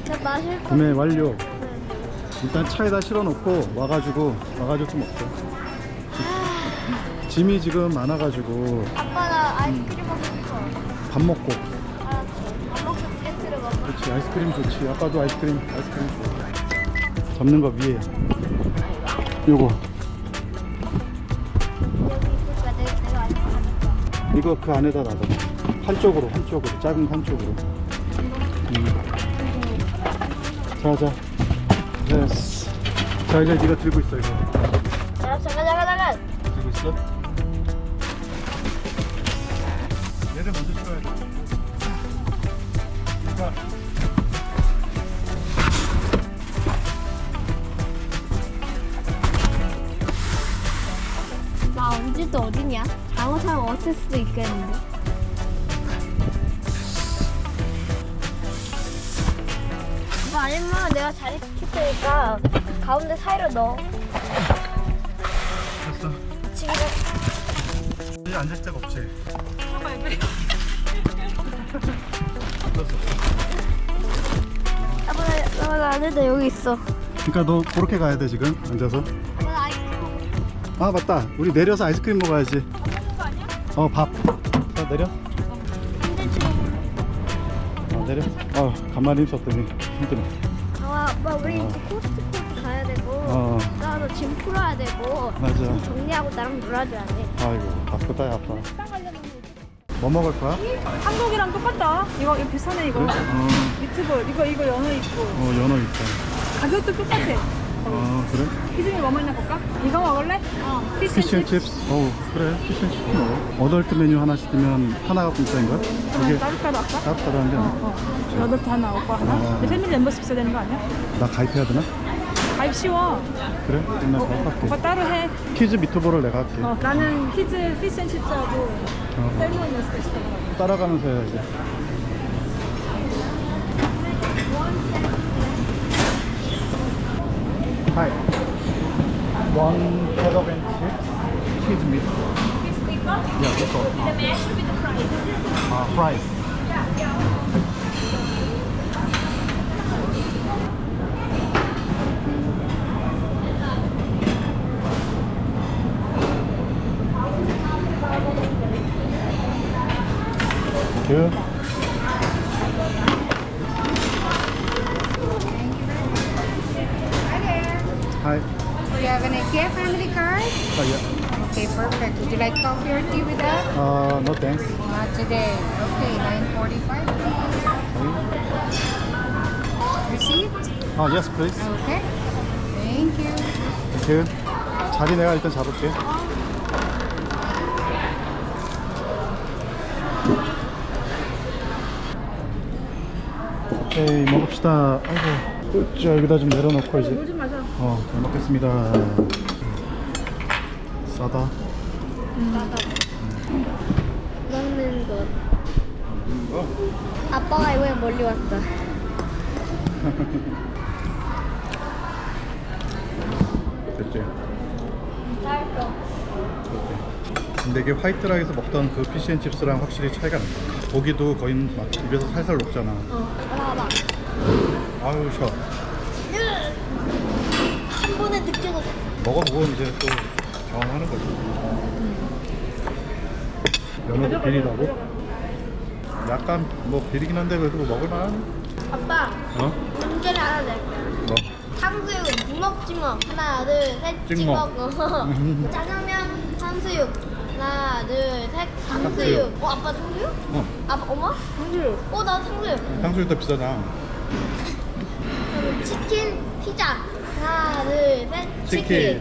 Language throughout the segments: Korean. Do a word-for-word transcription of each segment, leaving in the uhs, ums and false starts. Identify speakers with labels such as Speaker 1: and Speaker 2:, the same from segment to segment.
Speaker 1: 나 마실 거.
Speaker 2: 구매 완료. 일단 차에다 실어놓고 와가지고 와가지고 좀 먹자. 짐이 지금 많아가지고
Speaker 1: 아빠 나 아이스크림 먹고 싶어.
Speaker 2: 밥 먹고.
Speaker 1: 알았어. 밥 먹고 텐트를 먹어.
Speaker 2: 그렇지, 아이스크림 좋지. 아빠도 아이스크림 아이스크림 좋아. 잡는 거 위에 요거
Speaker 1: 여기 있으니까 내가, 내가 아이스크림 가져가.
Speaker 2: 이거 그 안에다 놔둬. 한쪽으로 한쪽으로 작은 한쪽으로. 음. 자자 됐어. 자 이제 네가 들고 있어 이거.
Speaker 1: 자, 잠깐 잠깐 잠깐.
Speaker 2: 들고 있어? 얘를 먼저 쳐야 돼. 자.
Speaker 1: 나 언제도 어디냐? 잘못하면 없을 수도 있겠는데. 이거 아니면 내가 자리 시킬 테니까 가운데 사이로 넣어.
Speaker 2: 됐어.
Speaker 1: 지금
Speaker 2: 여기 앉을 데가 없지.
Speaker 1: 아빠 나, 나 안에다 여기 있어.
Speaker 2: 그러니까 너 그렇게 가야 돼 지금 앉아서.
Speaker 1: 아빠 나 아이스크림 먹고 싶어.
Speaker 2: 아 맞다. 우리 내려서 아이스크림 먹어야지.
Speaker 1: 밥 먹는 거 아니야?
Speaker 2: 어 밥. 자 내려.
Speaker 1: 근데 지금
Speaker 2: 어 내려. 어 간만에 힘썼더니 힘드네.
Speaker 1: 아, 아빠 우리
Speaker 2: 어.
Speaker 1: 이제 코스트코도 가야 되고
Speaker 2: 어
Speaker 1: 나도 짐 풀어야 되고
Speaker 2: 맞아.
Speaker 1: 짐 정리하고 나랑 놀아줘야 돼.
Speaker 2: 아이고 바쁘다 아빠.
Speaker 1: 식당 가려면
Speaker 2: 뭐 먹을 거야?
Speaker 3: 한국이랑 똑같다. 이거 이거 비싸네 이거.
Speaker 2: 그래? 어,
Speaker 3: 미트볼 이거 이거 연어 있고
Speaker 2: 어 연어 있다.
Speaker 3: 가격도 똑같아.
Speaker 2: 어 그래?
Speaker 3: 기준이 뭐 먹나 볼까? 이거 먹을래? 어. 피쉬앤칩.
Speaker 2: 피쉬앤칩스. 어우 그래 피쉬앤칩스 먹어. 어덜트 메뉴 하나 시키면 하나가 공짜인 거야? 이게
Speaker 3: 따뜻하다 할까?
Speaker 2: 따뜻하다는 게
Speaker 3: 어,
Speaker 2: 아니야?
Speaker 3: 어. 여덟 하나 오빠 하나.
Speaker 2: 어.
Speaker 3: 내 패밀리 멤버십 있어야 되는 거 아니야?
Speaker 2: 나 가입해야 되나?
Speaker 3: 가입 쉬워.
Speaker 2: 그래? 그럼 나 가입할게.
Speaker 3: 오빠 따로 해.
Speaker 2: 키즈 미트볼을 내가 할게.
Speaker 3: 어, 나는 키즈 피쉬앤칩스하고
Speaker 2: 어.
Speaker 3: 셀몬 있을 있어.
Speaker 2: 따라가면서 해야지. Hi. One kebab and chips. Cheese meat. Yeah, that's all.
Speaker 3: The mash with the fries.
Speaker 2: Uh, fries. Good. Hi.
Speaker 4: Do you have an IKEA family card?
Speaker 2: Oh, yeah.
Speaker 4: Okay, perfect. Would you like coffee or tea with that?
Speaker 2: Uh, no thanks.
Speaker 4: Not today. Okay, nine forty-five. Receipt?
Speaker 2: Oh, yes, please.
Speaker 4: Okay. Thank you.
Speaker 2: Thank you. 자리 내가 일단 잡을게. 오케이, 먹읍시다. 아이고, 자, 여기다 좀 내려놓고 이제.
Speaker 3: 물 좀 마셔.
Speaker 2: 어, 잘 먹겠습니다. 싸다.
Speaker 1: 먹는 것.
Speaker 2: 어?
Speaker 1: 아빠가 이번에 멀리 왔어.
Speaker 2: 됐지?
Speaker 1: 맛있어.
Speaker 2: 근데 이게 화이트락에서 먹던 그 피쉬앤칩스랑 확실히 차이가 난다. 고기도 거의 막 입에서 살살 녹잖아.
Speaker 1: 어. 봐봐.
Speaker 2: 아유, 셔.
Speaker 1: 한 번에 느껴졌어.
Speaker 2: 먹어보고 이제 또 경험하는 거지. 연어도 비리다고? 약간 뭐 비리긴 한데 그래도 뭐 먹을만한?
Speaker 1: 아빠,
Speaker 2: 어?
Speaker 1: 문제를 하나 낼게.
Speaker 2: 뭐?
Speaker 1: 탕수육 무먹 찍먹. 하나, 둘, 셋,
Speaker 2: 찍먹.
Speaker 1: 찍먹.
Speaker 2: 음.
Speaker 1: 짜장면 탕수육. 하나, 둘, 셋, 탕수육.
Speaker 2: 탕수육.
Speaker 1: 어, 아빠 탕수육?
Speaker 2: 어,
Speaker 1: 아빠, 엄마? 탕수육. 어, 나 탕수육.
Speaker 2: 탕수육 더 비싸잖아.
Speaker 1: 그럼 치킨, 피자. 하나, 둘, 셋, 치킨.
Speaker 2: 치킨.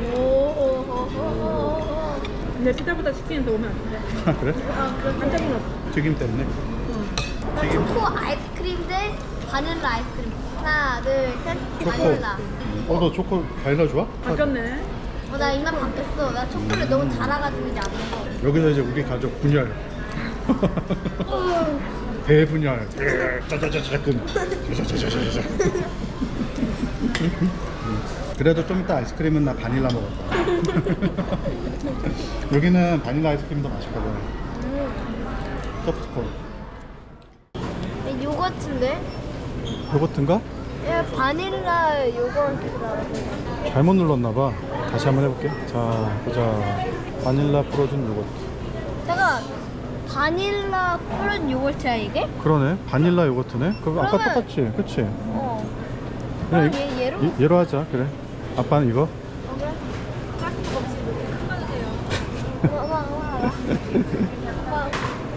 Speaker 1: 오호호호호호.
Speaker 3: 근데 피자보다 치킨이 더 오면 안 돼.
Speaker 2: 아, 그래?
Speaker 1: 아, 그럼
Speaker 3: 깜짝 놀랐어.
Speaker 2: 튀김 때문에?
Speaker 1: 나
Speaker 2: 튀김.
Speaker 1: 초코 아이스크림 대 바닐라 아이스크림. 하나, 둘, 셋,
Speaker 2: 초코.
Speaker 1: 바닐라.
Speaker 2: 어, 너 초코 바닐라 좋아?
Speaker 3: 바뀌었네.
Speaker 1: 어, 나 입맛 바뀌었어. 나 초콜릿 너무 달아가지고 이제 안 먹어.
Speaker 2: 여기서 이제 우리 가족 분열. 대분열. 짜자자자금. 짜자자자자. 그래도 좀 이따 아이스크림은 나 바닐라 먹었다. 여기는 바닐라 아이스크림 더 맛있거든. 소프트콘.
Speaker 1: 요거트인데?
Speaker 2: 요거트인가?
Speaker 1: 얘 바닐라 요거트라고.
Speaker 2: 잘못 눌렀나봐. 다시 한번 해볼게. 자, 보자. 바닐라 풀어준 요거트.
Speaker 1: 내가 바닐라 푸른 요거트야 이게?
Speaker 2: 그러네. 바닐라 요거트네. 그럼 아까
Speaker 1: 그러면-
Speaker 2: 똑같지? 그치?
Speaker 1: 어.
Speaker 2: 그냥
Speaker 1: 그럼 얘, 얘로?
Speaker 2: 이- 얘로 하자. 그래. 아빠는 이거?
Speaker 1: 어, 그래? 와, 와, 와, 와. 와.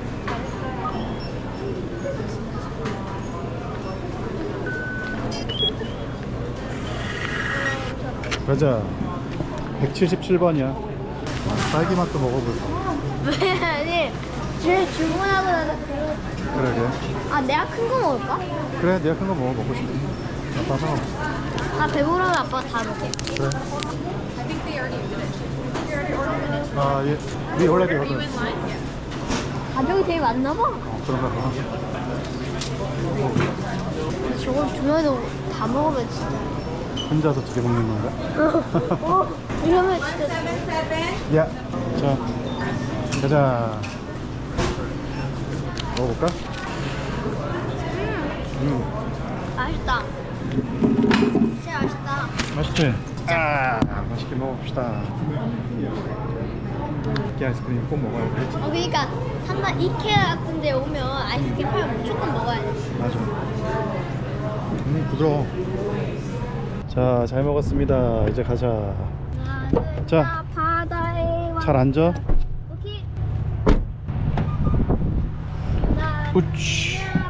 Speaker 2: 가자. 백칠십칠 번이야. 딸기 맛도 먹어볼까?
Speaker 1: 왜 아니 제일 주문하고 나서 그거.
Speaker 2: 그러게.
Speaker 1: 아 내가 큰 거 먹을까?
Speaker 2: 그래, 내가 큰 거 먹어. 먹고 싶어. 아빠 상관없어.
Speaker 1: 아 배부르면 아빠 다 먹게.
Speaker 2: 그래. 아, 예. We already ordered.
Speaker 1: 가족이 되게 많나 봐.
Speaker 2: 어, 그런가 봐.
Speaker 1: 근데 저걸 두 명이서 다 먹으면 진짜.
Speaker 2: 혼자서 두 개 먹는 건가?
Speaker 1: 어, 이러면 진짜.
Speaker 2: 야. 자, 가자. 먹어볼까? 음,
Speaker 1: 맛있다. 진짜 맛있다.
Speaker 2: 맛있지? 아, 맛있게 먹읍시다. 이렇게 아이스크림 꼭 먹어야 돼.
Speaker 1: 어 그러니까 한번 이케아 같은 데 오면 아이스크림 팔면 무조건 먹어야 돼.
Speaker 2: 맞아. 음, 부드러워. 자, 잘 먹었습니다. 이제 가자.
Speaker 1: 나는
Speaker 2: 자,
Speaker 1: 바다에
Speaker 2: 잘 앉아.
Speaker 1: 오케이. 나
Speaker 2: 우치.